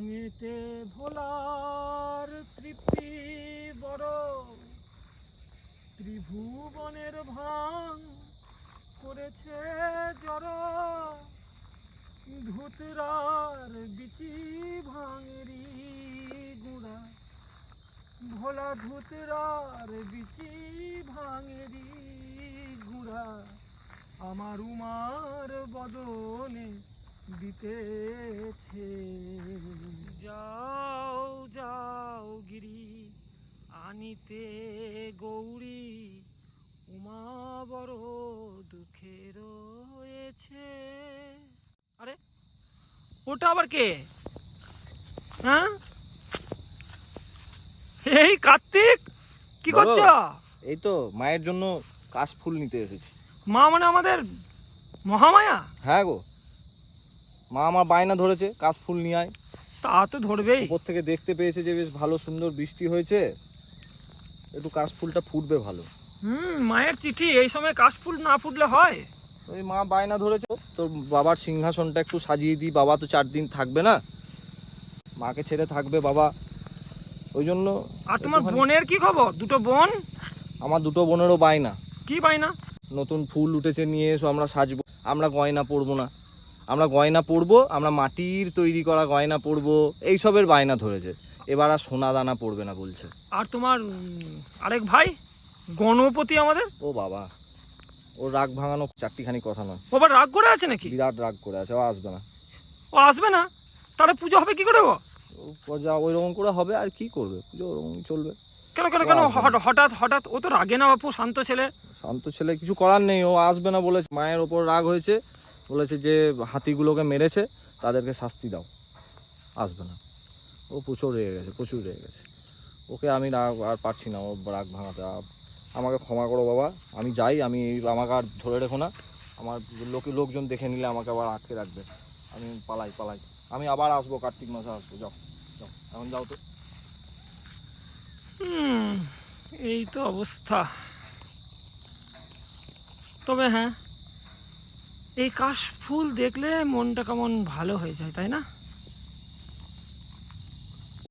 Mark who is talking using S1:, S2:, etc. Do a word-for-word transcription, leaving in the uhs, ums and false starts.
S1: ভাঙেতে ভোলার তৃপ্তি বড়, ত্রিভুবনের ভাঙ করেছে জড়, ধুতরার বিচি ভাঙেরি গুঁড়া, ভোলা ধুতরার বিচি ভাঙেরি গুঁড়া, আমার উমার বদনে দিতেছে। যাও যাও গিরি আনিতে গৌরী, উমা বড় দুঃখে রয়েছে। আরে ওটা আবার কে? হ্যাঁ, এই কার্তিক, কি করছো?
S2: এই তো মায়ের জন্য কাশফুল নিতে এসেছি।
S1: মা মানে আমাদের মহামায়া?
S2: হ্যাঁ গো, মা আমার বায়না ধরেছে কাশফুল নিয়ে আয়।
S1: তা তো ধরবেই।
S2: উপর থেকে দেখতে পেয়েছে যে বেশ ভালো সুন্দর বৃষ্টি হয়েছে, একটু কাশফুলটা ফুটবে ভালো।
S1: হুম, মায়ের চিঠি, এই সময় কাশফুল না ফুটলে হয়?
S2: ওই মা বায়না ধরেছে তোর বাবার সিংহাসনটা একটু সাজিয়ে দিই, বাবা তো চার দিন থাকবে না, মাকে ছেড়ে থাকবে বাবা, ওই জন্য।
S1: আর তোমার বোনের কি খবর? দুটো বোন?
S2: আমার দুটো বোনেরও বায়না।
S1: কি বায়না?
S2: নতুন ফুল উঠেছে, নিয়ে এসো, আমরা সাজবো। আমরা গয়না পরবো না, আমরা গয়না পরবো, আমরা মাটির তৈরি করা গয়না পরবো, এইসবের বায়না ধরেছে। এবার আর সোনা দানা পড়বে না বলছে।
S1: আর তোমার উম, আরেক ভাই গণপতি আমাদের?
S2: ও বাবা, ওর রাগ ভাঙানো চারটিখানি কথা নয়।
S1: ও আবার রাগ করে আছে নাকি?
S2: বিরাট রাগ করে আছে, ও আসবে না।
S1: ও আসবে না? তাহলে পুজো হবে কি করে? ও
S2: ও যা ওই রকম করে হবে, আর কি করবে, পুজো ওরকম চলবে।
S1: কেন কেন কেন হঠাৎ হঠাৎ? ও তো রাগে না বাপু, শান্ত ছেলে।
S2: শান্ত ছেলে, কিছু করার নেই, ও আসবে না বলেছে। মায়ের ওপর রাগ হয়েছে, বলেছে যে হাতিগুলোকে মেরেছে তাদেরকে শাস্তি দাও, আসবে না। ও প্রচুর রেগে গেছে, প্রচুর রেগে গেছে। ওকে আমি রাগ আর পারছি না, ও রাগ ভাঙাতে। আমাকে ক্ষমা করো বাবা, আমি যাই, আমি আমাকে আর ধরে রেখো না। আমার লোকে লোকজন দেখে নিলে আমাকে আবার আটকে রাখবে, আমি পালাই পালাই। আমি আবার আসবো, কার্তিক মাসে আসবো। যাও যাও, এখন যাও তো।
S1: হুম, এই তো অবস্থা। তবে হ্যাঁ, এই কাশফুল দেখলে মনটা কেমন ভালো হয়ে যায়, তাই না?